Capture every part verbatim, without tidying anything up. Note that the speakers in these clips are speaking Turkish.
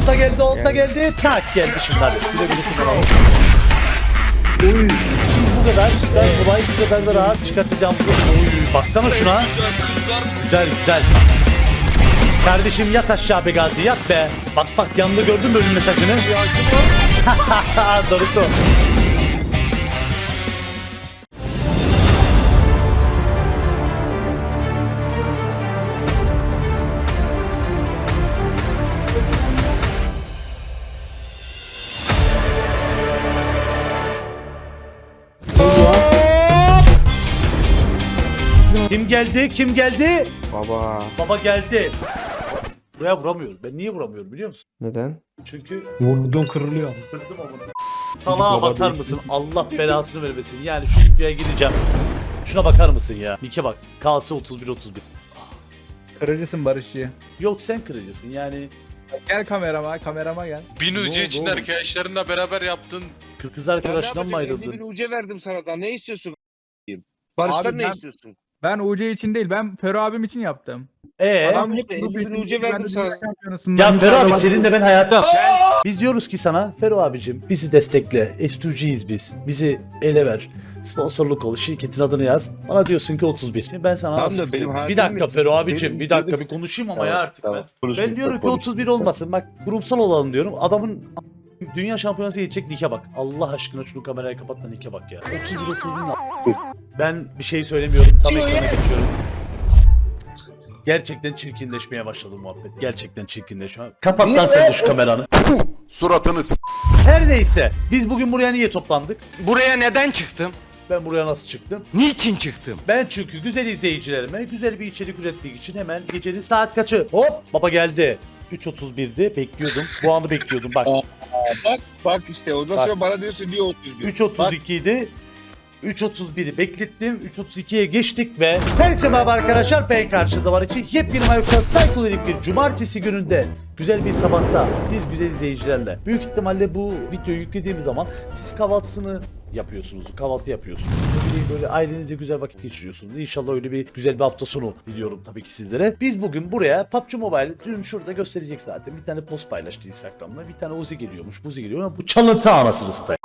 olta geldi, olta geldi. Tak geldi şimdi hadi. Güle güle kullanalım. Oy. Biz bu kadar işte kolay, bu kadar da rahat çıkartacağımızı. Oy. Baksana şuna. Güzel güzel. Kardeşim yat aşağı be Gazi, yat be. Bak bak yanında gördün mü ölüm mesajını? Doruklu. Kim geldi? Kim geldi? Baba. Baba geldi. Buraya vuramıyorum. Ben niye vuramıyorum biliyor musun? Neden? Çünkü Vurdun kırılıyor. kırdım amına. Salağa bakar mısın? Allah belasını vermesin. Yani şu videoya gireceğim. Şuna bakar mısın ya? Nike bak. Kalsı otuz bir otuz bir. Kırıcısın Barış'ı. Yok sen kırıcısın yani. Gel kamerama, kamerama gel. Bin Ne ucu oldu için oğlum? arkadaşlarınla beraber yaptın. Kız, kız arkadaşından mı elli bin ayrıldın? uca verdim sana da ne istiyorsun? Barış'tan Abi ne ben- istiyorsun? Ben U C için değil, ben Fero abim için yaptım. Eee? Adam hep işte grup elli bin için, uca ben de verdim dünya sana. şampiyonasından Ya Fero abi mücadele- senin de ben hayatım. Biz diyoruz ki sana Fero abicim bizi destekle. S iki G'yiz biz. Bizi ele ver. Sponsorluk ol. Şirketin adını yaz. Bana diyorsun ki otuz bir. Şimdi ben sana Tamam nasıl da kızayım? benim Bir hakim dakika mi? Fero abicim Benim- bir dakika benim- bir konuşayım ama Tamam, ya artık tamam. ben. Konuş, Ben diyorum ki konuş. otuz bir olmasın. Bak kurumsal olalım diyorum. Adamın dünya şampiyonası geçecek Nike bak. Allah aşkına şunu kamerayı kapat da Nike bak ya. otuz bir otuz bir. Ben bir şey söylemiyorum. Tam ekrana geçiyorum. Gerçekten çirkinleşmeye başladı muhabbet. Gerçekten çirkinleşme. Kapat lan sen de şu kameranı. Suratını s- Her neyse. Biz bugün buraya niye toplandık? Buraya neden çıktım? Ben buraya nasıl çıktım? Niçin çıktım? Ben çünkü güzel izleyicilerime güzel bir içerik üretmek için hemen gecenin saat kaçı? Hop baba geldi. üç otuz birdi bekliyordum. Bu anı bekliyordum bak. Bak bak işte ondan Bak. sonra bana diyorsun niye otuz bir? üç otuz iki idi. üç otuz biri beklettim. üç otuz ikiye geçtik ve herkese merhaba arkadaşlar. Ben karşıda var için yepyeni Mayoksan Psychodelik bir cumartesi gününde güzel bir sabahta bir güzel izleyicilerle. Büyük ihtimalle bu videoyu yüklediğim zaman siz kahvaltısını yapıyorsunuz. Kahvaltı yapıyorsunuz. Böyle, böyle ailenizle güzel vakit geçiriyorsunuz. İnşallah öyle bir güzel bir hafta sonu diliyorum tabii ki sizlere. Biz bugün buraya P U B G Mobile dün şurada gösterecek zaten. Bir tane post paylaştı Instagram'da. Bir tane Uzi geliyormuş. Uzi geliyor ama bu çalıntı anasını satayım.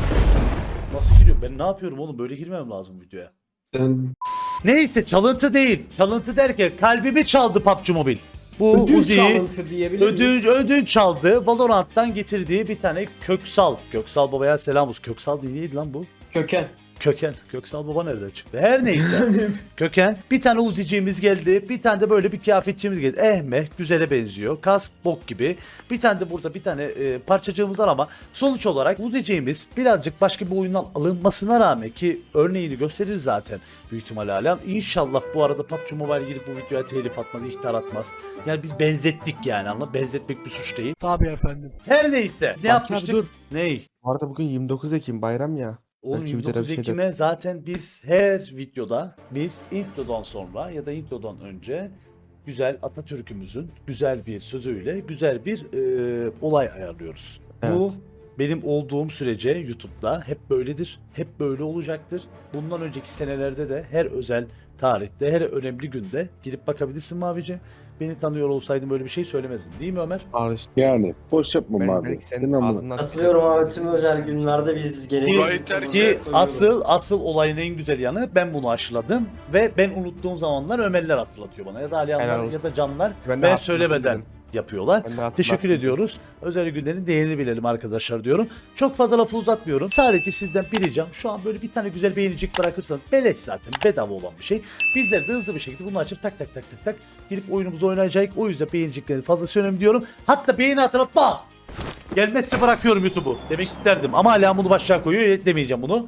Nasıl giriyorum? Ben ne yapıyorum oğlum? Böyle girmem lazım videoya. Sen Neyse çalıntı değil. Çalıntı derken kalbimi çaldı P U B G Mobile. Bu ödül Uzi'yi çalıntı diyebilir miyim? ödül, ödül çaldı. Valorant'tan getirdiği bir tane Köksal. Köksal babaya selam olsun. Köksal değil neydi lan bu? Köken. Köken. Köksal baba nereden çıktı? Her neyse. Köken. Bir tane Uzi'ciğimiz geldi. Bir tane de böyle bir kıyafetçimiz geldi. Ehmeh. Güzele benziyor. Kask bok gibi. Bir tane de burada bir tane e, parçacığımız var ama sonuç olarak Uzi'ciğimiz birazcık başka bir oyundan alınmasına rağmen ki örneğini gösterir zaten büyük ihtimalle halen. İnşallah bu arada P U B G Mobile girip bu videoya telif atmaz, ihtar atmaz. Yani biz benzettik yani anla. Benzetmek bir suç değil. Tabii efendim. Her neyse. Ne Bak yapmıştık? abi dur. Ney? Bu arada bugün yirmi dokuz Ekim bayram ya. Oğlum Belki bir yirmi dokuz tane bir şey de- Ekim'e zaten biz her videoda biz introdan sonra ya da introdan önce güzel Atatürk'ümüzün güzel bir sözüyle güzel bir e, olay ayarlıyoruz. Bu benim olduğum sürece YouTube'da hep böyledir. Hep böyle olacaktır. Bundan önceki senelerde de her özel tarihte, her önemli günde girip bakabilirsin Mavici. Beni tanıyor olsaydın böyle bir şey söylemezdin. Değil mi Ömer? Al işte. Yani boş yapma Ben abi. belki senin Değil mi ama? ağzından Katılıyorum abi, tüm özel günlerde biz gerekli Burayı terk Ki et. asıl asıl olayın en güzel yanı ben bunu aşıladım ve ben unuttuğum zamanlar Ömerler hatırlatıyor bana ya da Helal Alihanlar olsun. ya da Canlar Ben de ben hatırladım söylemeden dedim. yapıyorlar. Ben de hatırlattım. Teşekkür ediyoruz. Özel günlerin değerini bilelim arkadaşlar diyorum. Çok fazla lafı uzatmıyorum. Sadece sizden bir ricam şu an böyle bir tane güzel beğenicik bırakırsanız beleş zaten bedava olan bir şey. Bizler de hızlı bir şekilde bunu açıp tak tak tak tak tak girip oyunumuzu oynayacak. O yüzden beğeniciklerin fazlası önemli diyorum. Hatta beğeni hatırlatma. Gelmezse bırakıyorum YouTube'u demek isterdim ama hala bunu başlığa koyuyor demeyeceğim bunu.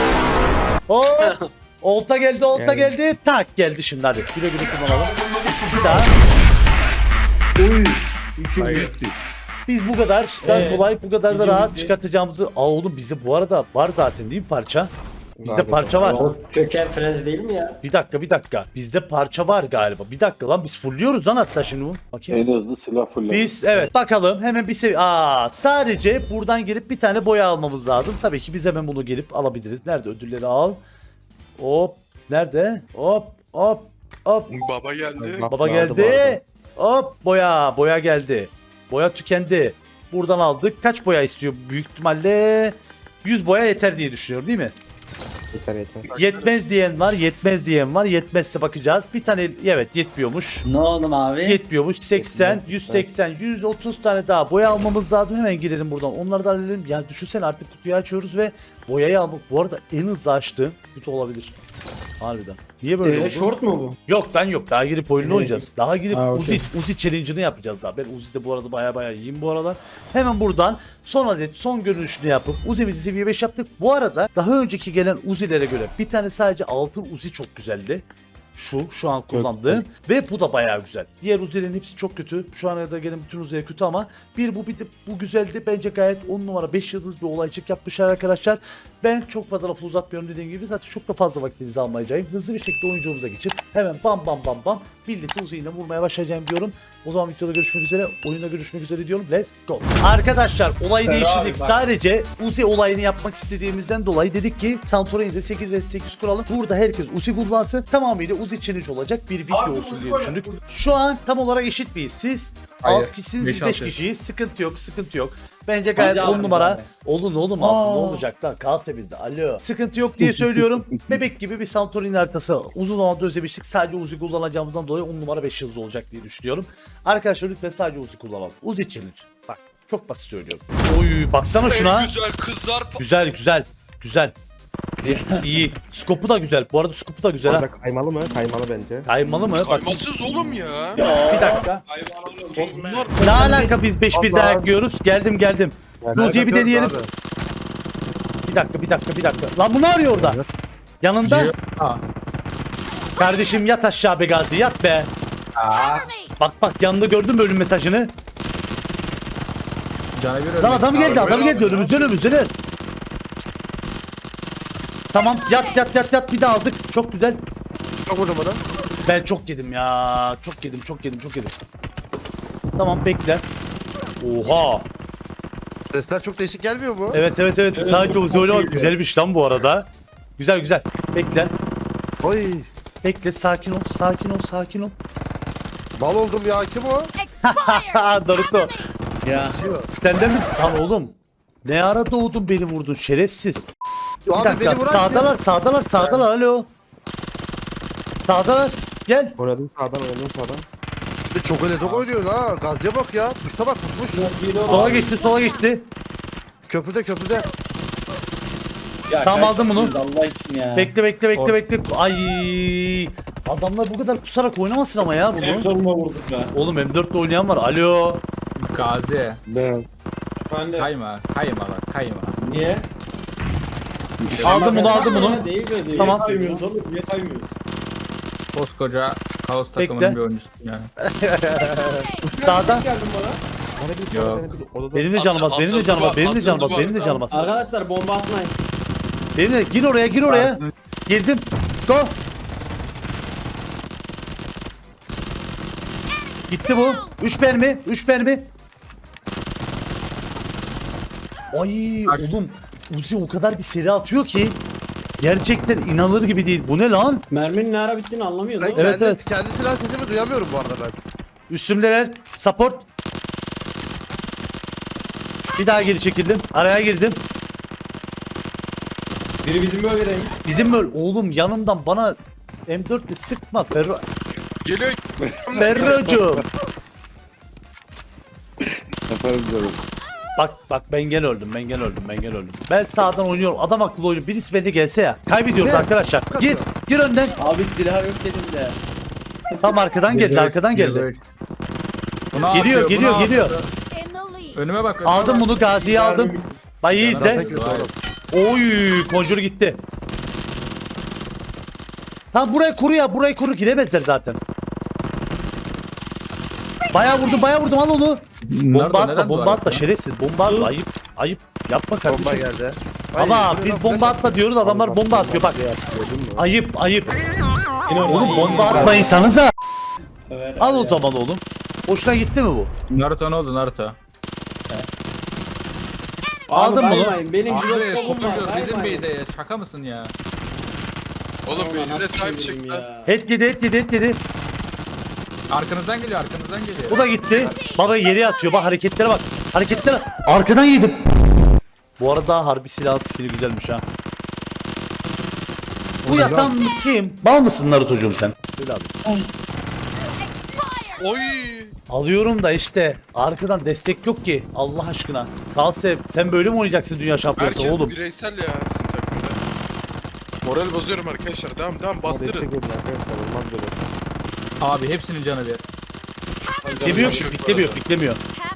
Hop. Olta geldi, olta Geldi. geldi. Tak geldi şimdi hadi. Güle güle kullanalım. Bir daha. Oy. Üçüncü gitti. Biz bu kadar işte Evet. kolay, bu kadar da Bizim rahat bitti. çıkartacağımızı. Aa oğlum bizde bu arada var zaten değil mi parça? Bizde Zaten. parça var. O köken frez değil mi ya? Bir dakika, bir dakika. Bizde parça var galiba. Bir dakika lan biz fulluyoruz lan hatta şimdi bunu. Bakayım. En hızlı silah fırladı. Biz evet bakalım hemen bir seviye. Aa sadece buradan gelip bir tane boya almamız lazım. Tabii ki biz hemen bunu gelip alabiliriz. Nerede ödülleri al? Hop. Nerede? Hop hop hop. Baba geldi. Bak, Baba vardı bu arada. geldi. Hop boya. Boya geldi. Boya tükendi. Buradan aldık. Kaç boya istiyor? Büyük ihtimalle yüz boya yeter diye düşünüyorum değil mi? Yeter yeter. Yetmez diyen var, yetmez diyen var. Yetmezse bakacağız. Bir tane evet yetmiyormuş. Ne oldu abi? Yetmiyormuş. seksen, yüz seksen, yüz otuz tane daha boya almamız lazım. Hemen girelim buradan. Onları da halledelim. Yani düşünsene artık kutuyu açıyoruz ve boyayı almak. Bu arada en hızlı açtığım kutu olabilir. Harbiden. Niye böyle Ee, oldu? short mu bu? Yok lan yok. Daha girip oyunu Evet. oynayacağız. Daha girip Ha, Uzi, okey. Uzi challenge'ını yapacağız daha. Ben Uzi'de bu arada baya baya iyiyim bu aralar. Hemen buradan son adet son görünüşünü yapıp Uzi'mizi seviye beş yaptık. Bu arada daha önceki gelen Uzi'lere göre bir tane sadece altın Uzi çok güzeldi. Şu, şu an kullandığım ve bu da bayağı güzel. Diğer Uzi'lerin hepsi çok kötü. Şu ana kadar gelen bütün Uzi'ler kötü ama bir bu bir de bu güzeldi. Bence gayet on numara beş yıldız bir olaycık yapmışlar arkadaşlar. Ben çok fazla lafı uzatmıyorum dediğim gibi zaten çok da fazla vaktinizi almayacağım. Hızlı bir şekilde oyuncumuza geçip hemen bam bam bam bam birlikte Uzi ile vurmaya başlayacağım diyorum. O zaman videoda görüşmek üzere, oyunda görüşmek üzere diyorum. Let's go. Arkadaşlar olayı değiştirdik. Sadece Uzi olayını yapmak istediğimizden dolayı dedik ki Santorini'de sekiz ve sekiz kuralım. Burada herkes Uzi kullansın. Tamamıyla Uzi challenge olacak bir video olsun diye düşündük. Şu an tam olarak eşit miyiz? Siz Hayır, altı kişisiniz, biz beş beş altı. kişiyiz. Sıkıntı yok, sıkıntı yok. Bence gayet Hadi on abi, numara. abi. Olun oğlum altı ne olacak lan? Kalsa bizde. Alo. Sıkıntı yok diye söylüyorum. Bebek gibi bir Santorini haritası. Uzun zamandır özlemiştik. Sadece Uzi kullanacağımızdan dolayı on numara beş yıldız olacak diye düşünüyorum. Arkadaşlar lütfen sadece Uzi kullanalım. Uzi challenge. Bak çok basit söylüyorum. Oy baksana şuna. En güzel kızlar po- Güzel güzel. Güzel. İyi. Skopu da güzel. Bu arada skopu da güzel ha. Orada kaymalı mı? Kaymalı bence. Kaymalı mı? Bak Kaymasız oğlum ya. bir dakika. Bunlar Ne alaka biz beş bir dayak yiyoruz? Geldim geldim. Uzi'yi bir deneyelim. Bir dakika bir dakika bir dakika. Lan bu ne arıyor orada? Yanında. Ha. Kardeşim yat aşağı be Gazi yat be. Bak bak yanında gördün mü ölüm mesajını? Canı bir Lan ölmek. adam geldi adam Abi, geldi abi, önümüzden önümüzden. Tamam yat yat yat yat bir daha aldık. Çok güzel. Çok vurdum onu. Ben çok yedim ya. Çok yedim çok yedim çok yedim. Tamam bekle. Oha. Sesler çok değişik gelmiyor mu? Evet evet evet. Sadece Uzi oynamak güzelmiş lan bu arada. Güzel güzel. Bekle. Oy. Bekle sakin ol sakin ol sakin ol. Bal oldum ya, kim o? Ha Naruto. Ya. Senden mi? Lan oğlum. Ne ara doğdun beni vurdun şerefsiz. Bir Abi dakika beni vuran sağdalar sağdalar sağdalar alo. Sağdalar. Gel. Oynadım sağdan oynadım sağdan. Bir çok öyle top oynuyor ha. Gazya bak ya. Tuşta bak tutmuş. Sola geçti sola geçti. Köprüde köprüde. Ya Tamam, kaç aldım bunu. kişisiniz Allah için ya. Bekle bekle bekle Or- bekle. Ay. Adamlar bu kadar pusarak oynamasın ama ya En bunu. sonuna vurduk be. Oğlum M dörtte oynayan var. Alo. Gazi. Ben. Efendim. Kayma. Kayma bak kayma. Niye? Aldım bunu aldım bunu. Ya, değil mi? Niye Tamam. kaymıyoruz oğlum? Niye kaymıyoruz? Koskoca kaos Bekle. takımının bir oyuncusun yani. Sağda. Geldin bana. Bana bir Yok. sağdan bir odada. Benim de canım az. Benim de canım az. Benim de canım az. Benim de canım az. Arkadaşlar bomba atmayın. Benim de gir oraya gir oraya. Girdim. Go. Gitti bu. üç mermi. üç mermi. Ay Kaç? oğlum. Uzi o kadar bir seri atıyor ki. Gerçekten inanılır gibi değil. Bu ne lan? Merminin ne ara bittiğini anlamıyordum. Ben Evet, kendi, evet. kendi silah sesimi duyamıyorum bu arada ben. Üstümdeler. Support. Bir daha geri çekildim. Araya girdim. Biri bizim bölgedeymiş. Bizim böyle oğlum yanımdan bana M dörtle sıkma Ferro. geliyor. Ferrocuğum. Yaparız böyle. Bak bak ben gene öldüm ben gene öldüm ben gene öldüm. Ben sağdan oynuyorum adam akıllı oynuyor. Birisi beni gelse ya. Kaybediyoruz Ne? arkadaşlar. Gir gir önden. Abi silah yok dedim de. Tam arkadan geldi arkadan geldi. Bunu Geliyor, atıyor, geliyor, bunu geliyor. atıyor. Önüme bak. önüme Aldım bak. bunu Gazi'yi aldım. Bay iyi izle. Zaten kötü oğlum. Oy Conjure gitti. Tamam burayı kuru ya burayı kuru giremezler zaten. Bayağı vurdum bayağı vurdum al onu. Bomba Nerede, atma neden bomba duvar atma şerefsiz bomba atma ayıp ayıp yapma kardeşim. Bomba geldi. Ama Ay, biz flash bomba attı. atma diyoruz adamlar bomba atıyor bak. Gördün mü? Ayıp ayıp. Yine orada. Oğlum bomba atmayınsanıza. Evet, Al o abi. zaman oğlum. Hoşuna gitti mi bu? Naruto ne oldu Naruto? Abi Aldın bunu. kaymayın, Benim Abi jiroskopum var. kopuyor bizim kaymayın. beyde ya. Şaka mısın ya? Oğlum Ulan bezine nasıl sahip çevireyim çıktı. ya? Et yedi et yedi et yedi. Arkanızdan geliyor arkanızdan geliyor. Bu da gitti. Baba yere atıyor. Bak hareketlere bak. Hareketlere. Arkadan yedim. Bu arada harbi silah skill'i güzelmiş ha. Bu yatan kim? Bal mısın Naruto'cum sen? Öyle abi. Oy. Alıyorum da işte arkadan destek yok ki Allah aşkına. Kalse sen böyle mi oynayacaksın dünya şampiyonası Herkes oğlum? bireysel ya sizin takımda. Moral bozuyorum arkadaşlar. Devam devam bastırın. Abi hepsinin canı bir. Biklemiyor, Yok bu biklemiyor, arada. biklemiyor.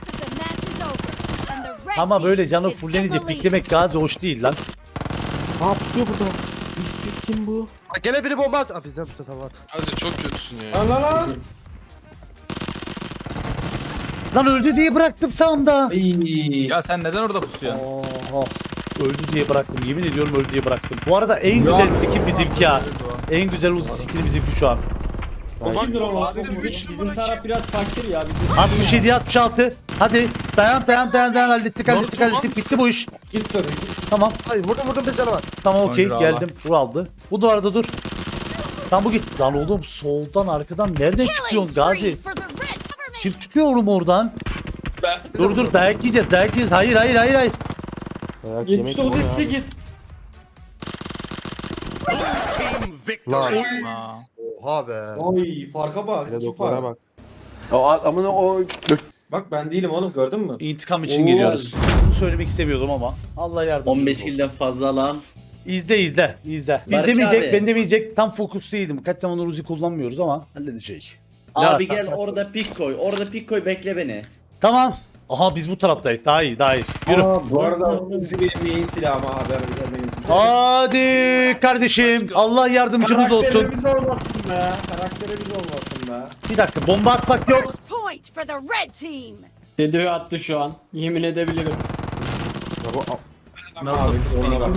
Ama böyle canı fullenecek biklemek daha da hoş değil lan. Ha, gene biri bomba at. Aa, bizden tuta tamam at. Gazi çok kötüsün ya. Lan lan lan. Lan öldü diye bıraktım sağımda. Ay. Ya sen neden orada pusuyorsun? Oha. Öldü diye bıraktım. Yemin ediyorum öldü diye bıraktım. Bu arada en güzel skin bizimki ha. En güzel uzun skin bizimki şu an. Bak Kimdir o? abi Bizim, üç bizim numara taraf kim? biraz fakir ya. Bizim altmış yedi altmış altı. Hadi dayan dayan dayan dayan hallettik hallettik Naruto, hallettik. var Bitti bu iş. git tabii. Tamam. Hayır vurdum vurdum bir canı var. Tamam okey Oyuncu geldim. Vur aldı. Bu da arada dur. Tamam bu git. Lan oğlum soldan arkadan nereden çıkıyorsun Gazi? Kim çıkıyor oğlum oradan? Dur dur dayak yiyeceğiz dayak yiyeceğiz. Hayır hayır hayır hayır. yetmiş dokuz yetmiş sekiz. Lan. Aa. Oha be. Oy farka bak. iki fark. bak. O amına o Bak ben değilim oğlum gördün mü? İntikam için Oo. geliyoruz. Bunu söylemek istemiyordum ama Allah yardımcımız on beş olsun. kilden fazla lan. İzle izle izle. Biz Barış demeyecek abi. ben demeyecek tam fokus değildim. Kaç zamandır Uzi kullanmıyoruz ama halledecek. Abi Ya, gel orada pik koy. Orada pik koy bekle beni. Tamam. Aha biz bu taraftayız. Daha iyi daha iyi. Yürü. Aa, bu arada Uzi benim yayın silahıma haber vermeyin. Hadi kardeşim. Allah yardımcımız olsun. Karakterimiz olmasın be. Karakterimiz olmasın be. Bir dakika bomba atmak yok. Point for the red team. Dedo'yu attı şu an. Yemin edebilirim. Nasıl pusuyorsun?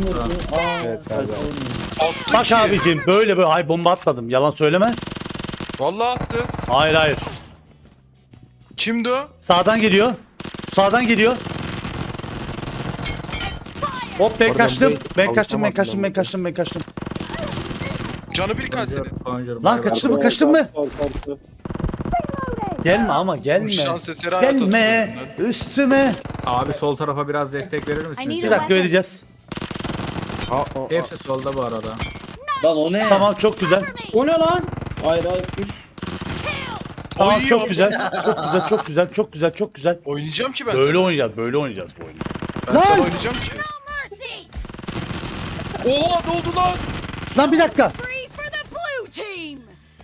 Attı Bak ki. abicim böyle böyle. Hayır bomba atmadım. Yalan söyleme. Vallahi attı. Hayır hayır. Kimdi o? Sağdan geliyor. Sağdan geliyor. Hop ben kaçtım. Ben kaçtım ben kaçtım ben kaçtım ben kaçtım. Canı bir kaç senin. Bonjour, Lan bay bay. kaçtın mı kaçtın mı? Gelme ama gelme. Şans eseri hayat Gelme atıyorsun üstüme. Abi sol tarafa biraz destek verir I misiniz? need Bir a dakika weapon. vereceğiz. Hepsi solda bu arada. Lan o ne? Tamam çok güzel. O ne lan? Hayır hayır düş. Tamam Oy, çok oy. güzel. Çok güzel çok güzel çok güzel çok güzel. Oynayacağım ki ben Böyle sana. oynayacağız böyle oynayacağız bu oyunu. Ben sana oynayacağım ki. Mercy. Oha ne oldu lan? Lan bir dakika. Free for the blue team.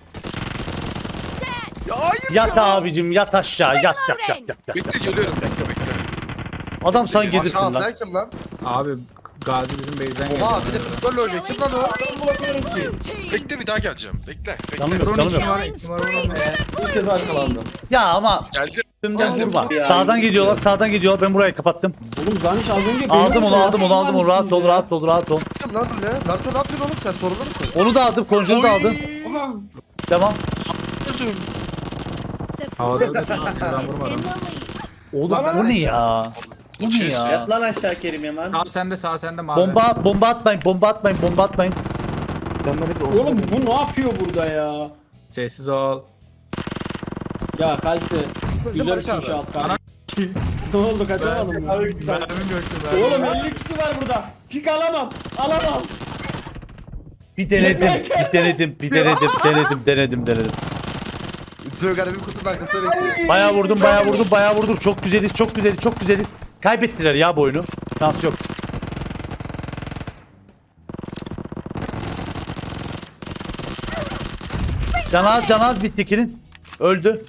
Dead. Ya hayır Yat ya. abicim yat aşağı yat yat yat yat. yat. Bekle geliyorum bekle bekle. Adam sen gelirsin Aşağı lan. sen kim lan? Abi Gazi bizim base'den geliyor. Oha bir de futbol oynuyor. Kim lan o? Blue team. Bekle bir daha geleceğim. Bekle bekle. Canım yok canım yok. Killing spree for the İlk blue kez team. arkalandım. Ya ama Geldi. üstümden Aldım vurma. ya. Sağdan gidiyorlar sağdan gidiyorlar ben burayı kapattım. Oğlum Zaniş az önce beni Aldım onu vurdu. aldım onu aldım onu rahat ol rahat ol rahat ol. Kim lan bu ne? Naruto ne yapıyorsun oğlum sen sorumlu musun? Onu da aldım konjuru da aldım. Oha. Devam. The Havada blue da team ben is in vurmadım. the lead. Oğlum bu ne ya? Bu ne ya? Yat lan aşağı Kerim Yaman. Sağ sende sağ sende mavi. Bomba bomba atmayın bomba atmayın bomba atmayın. Oğlum bu ne yapıyor burada ya? Sessiz ol. Ya Kalsi. Güzel Barış abi. bir şans kardeşim. Ne oldu kaçamadım mı? Mermim yoktu ben. Oğlum elli kişi var burada. Pik alamam. Alamam. Bir denedim bir denedim bir denedim denedim denedim denedim. Çok garip bir kutunun arkasına bekliyor. Bayağı vurdum bayağı vurdum bayağı vurdum. Çok güzeliz çok güzeliz çok güzeliz. Kaybettiler ya bu oyunu. Şans yok. Canaz canaz bittikinin. Öldü.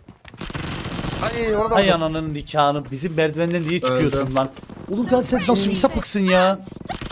Ay orada Ay var. ananın nikahını. Bizim merdivenden niye çıkıyorsun Öldü. lan? Oğlum gel sen nasıl bir sapıksın ya?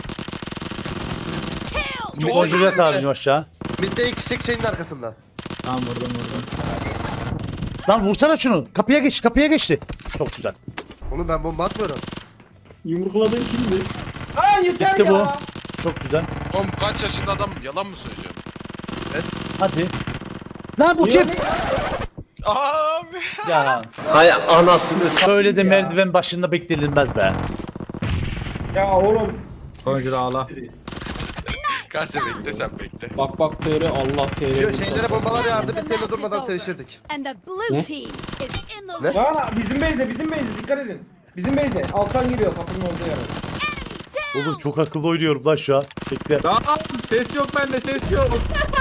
Kill. Konjurat abicim aşağı. Midde iki çiçek şeyin arkasında. Tamam vurdum vurdum. Lan vursana şunu. Kapıya geç kapıya geçti. Çok güzel. Oğlum ben bomba atmıyorum. Yumrukladın kimdi? Aa yeter Bitti ya. bu. Çok güzel. Oğlum kaç yaşında adam yalan mı söyleyeceğim? Hadi. Lan bu kim? Abi. Ya Hay anasını böyle de merdiven başında beklenilmez be. Ya oğlum. Bonjour ağla. Gazi bekle sen bekle. Bak bak T R Allah T R. Şu şeylere bombalar yağardı biz seninle durmadan sevişirdik. And the blue team is in the Ne? lead. Ya bizim base'e bizim base'e dikkat edin. Bizim base'e Alkan giriyor kapının olduğu yere. Oğlum çok akıllı oynuyorum lan şu an. Bekle. Tamam ses yok bende ses yok.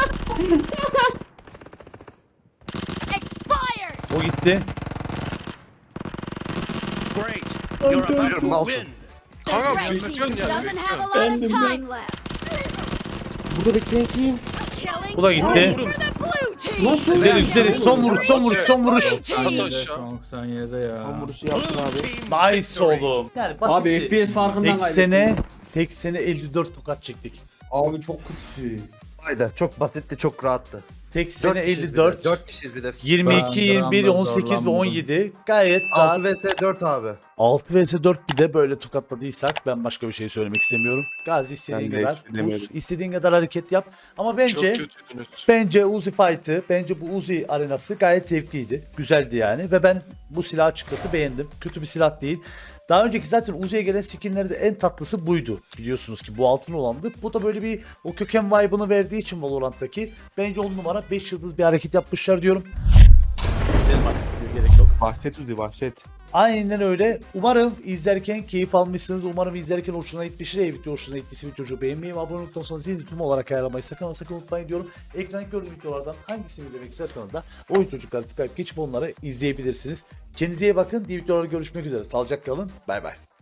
Expired. O gitti. Malsın. The Kanka red bekliyorsun team ya. doesn't have a bekliyorsun. lot of time left. Burada bekleyen kim? Killing Bu da gitti. for the blue team. Nasıl? Güzel güzel. Son vuruş son vuruş son vuruş. At aşağı. doksan yedide ya. Tam vuruşu yaptın abi. Nice oğlum. Yani basit. Abi F P S farkından seksene kaybettim. seksene elli dört tokat çektik. Abi çok kötü. Haydi çok basitti çok rahattı. seksene kişiyiz elli bir dört. de, dört kişiyiz bir de. yirmi iki, yirmi bir, on sekiz ve zorlandım. on yedi gayet rahat. altı vs dört abi. altı vs dört bir de böyle tokatladıysak ben başka bir şey söylemek istemiyorum. Gazi istediğin Ben de kadar istemiyorum. Uz, istediğin kadar hareket yap. Ama Çok bence kötüydünüz. bence Uzi Fight'ı, bence bu Uzi arenası gayet zevkliydi. Güzeldi yani ve ben bu silahı açıkçası beğendim. Kötü bir silah değil. Daha önceki zaten Uzi'ye gelen skinlerde en tatlısı buydu. Biliyorsunuz ki bu altın olandı. Bu da böyle bir o köken vibe'ını verdiği için Valorant'taki bence on numara beş yıldız bir hareket yapmışlar diyorum. Gidelim artık, gerek yok. Vahşet Uzi vahşet. Aynen öyle. Umarım izlerken keyif almışsınız. Umarım izlerken hoşuna gitmiştir. Eğer video hoşuna gittiyse videoyu beğenmeyi ve abone olursanız zil tüm olarak ayarlamayı sakın ama sakın unutmayın diyorum. Ekran gördüğüm videolardan hangisini izlemek isterseniz de oyun çocukları tıklayıp geçip onları izleyebilirsiniz. Kendinize iyi bakın. Diğer videolarda görüşmek üzere. Sağlıcakla kalın. Bay bay.